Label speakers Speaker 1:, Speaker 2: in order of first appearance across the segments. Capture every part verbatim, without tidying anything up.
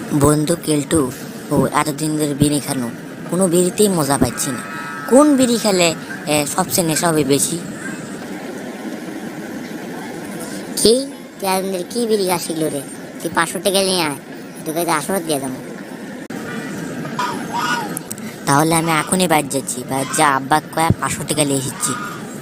Speaker 1: বন্ধু কেলটু, ও এতদিন ধরে বিড়ি খানো, কোনো বিড়িতেই মজা পাচ্ছি না। কোন বিড়ি খেলে এ, সবচেয়ে নেশা হবে বেশি? কি তুই এতদিন ধরে কি বিড়ি খাস শিখলো রে? তুই পাঁচশো টাকা নিয়ে আয়, তোকে আসর দিয়ে যাবো। তাহলে আমি এখনই বাইর যাচ্ছি, বাইর যা আব্বা কয়া পাঁচশো টাকা নিয়ে এসেছি।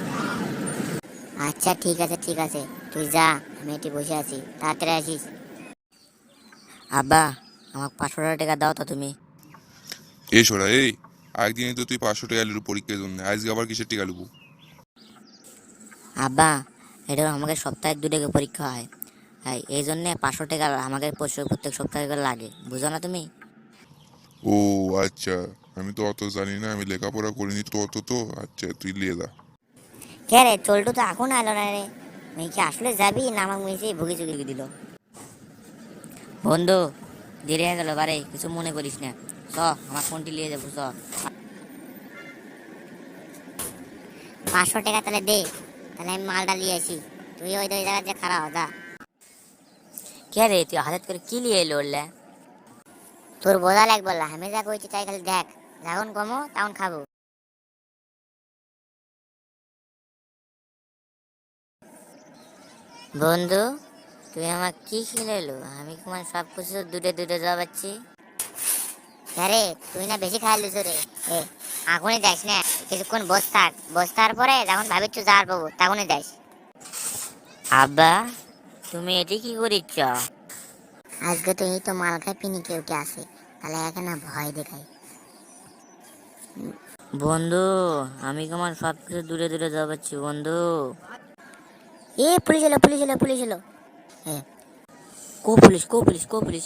Speaker 1: আচ্ছা ঠিক আছে ঠিক আছে, তুই যা, আমি এটি বসে আছি, তাড়াতাড়ি আসিস। আব্বা, আমাকে পাঁচশো টাকা দাও তো তুমি।
Speaker 2: এই সোরা এই, একদিনে তো তুই পাঁচশো টাকা লুবু পরীক্ষার জন্য, আজকে আবার কিসের টাকা লুবু?
Speaker 1: আব্বা, এটা আমাকে সপ্তাহে দু টাকা পরীক্ষা হয়, হ্যাঁ এই জন্যে পাঁচশো টাকা আমাকে প্রত্যেক প্রত্যেক সপ্তাহে করে লাগে, বুঝো না তুমি?
Speaker 2: ও আচ্ছা, আমি তো অত জানি না, আমি লেখাপড়া করিনি তো অত তো। আচ্ছা তুই লিয়ে দা।
Speaker 1: কে রে, চল্টু তো এখন আলো না রে। তুই কি আসলে যাবি না আমাকে মিশে ভুগি চুগি দিল? বন্ধু, দেরি হয়ে গেল বারে, কিছু মনে করিস না। চ, আমার ফোনটি নিয়ে যাবো চ। পাঁচশো টাকা তাহলে দে, তাহলে আমি মালটা নিয়ে আসি। তুই ওই ওই জায়গায় যে খারাপ যা। কে রে, তুই হাতে করে কি নিয়ে এলো ওরলে? তোর বোঝা লাগবে না, আমি যা কইছি তাই খালি দেখ, যখন কমো তখন খাবো। বন্ধু, তুই আমার কি খেলে এলো? আমি তোমার সব কিছু দুটো দুটো যাবাচ্ছি। আরে তুই না বেশি খাই লিস রে। এ এখনই যাস না, কিছুক্ষণ বস থাক, বস থাকার পরে যখন ভাবিচ্ছ যাওয়ার পাবো তখনই যাস। আব্বা, তুমি এটি কি করিচ্ছ? আজকে তো এই তো মাল খাই পিনি কেউ কে আসে, তাহলে এখানে ভয় দেখাই। বন্ধু, আমি তোমার সব কিছু দূরে দূরে যাবাচ্ছি বন্ধু। এ পুলিশ এলো পুলিশ এলো পুলিশ এলো। হ্যাঁ, কো পুলিশ কো পুলিশ কো পুলিশ?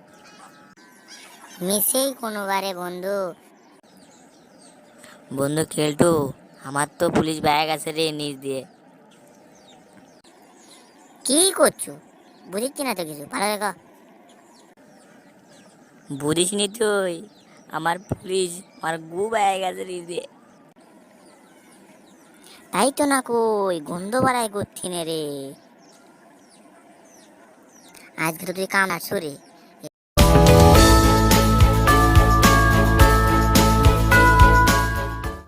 Speaker 1: মিসেই কোনোবারে বন্ধু। বন্ধু খেলটু, আমার তো পুলিশ ব্যাগ আছে রে নিচ দিয়ে। কি করছো? বুঝিচ্ছি না তো কিছু, ভালো দেখো। বুঝিস নি তুই? আমার পুলিশ, আমার গু ব্যাগ আছে নিচ দিয়ে। তাই তো না, কই গন্ধ বাড়াই করছি রে। আজকে তো তুই কাম আসছো রে।